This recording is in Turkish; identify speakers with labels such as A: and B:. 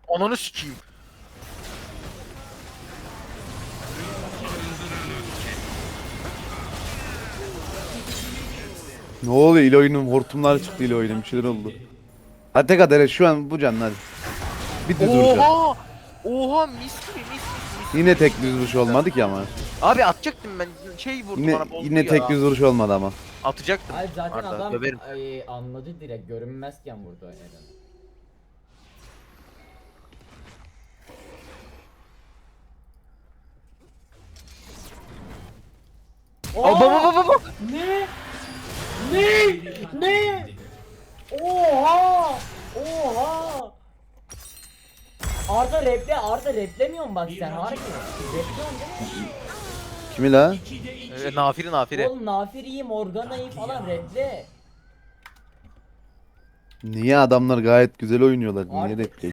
A: Ananı sikeyim.
B: Ne oluyor İloy'un hortumlar çıktı İloy'un bir şeyler oldu. Hadi tek at şu an bu canlı hadi. Bir düz vuracağım.
A: Oha! Oha mis gibi mis.
B: Yine tek düz vuruş olmadı ki ama.
A: Abi atacaktım ben. Şey vurdu
B: Yine
A: bana bozdu
B: yine tek
A: ya.
B: düz vuruş olmadı ama.
A: Atacaktım.
C: Hayır zaten
A: Arda,
C: adam
A: döverim.
C: anladı direkt görünmezken vurdu Eren.
A: Aa, baba.
C: Ne? Ne? Ne? Oha! Oha! Arda replemiyorsun bak sen harbi. Repliyorsun değil mi?
B: Kimi la?
A: Nafiri.
C: Oğlum Nafiri'yi, Morgana'yı falan reple.
B: Niye adamlar gayet güzel oynuyorlar? Niye
C: Artık
B: repli?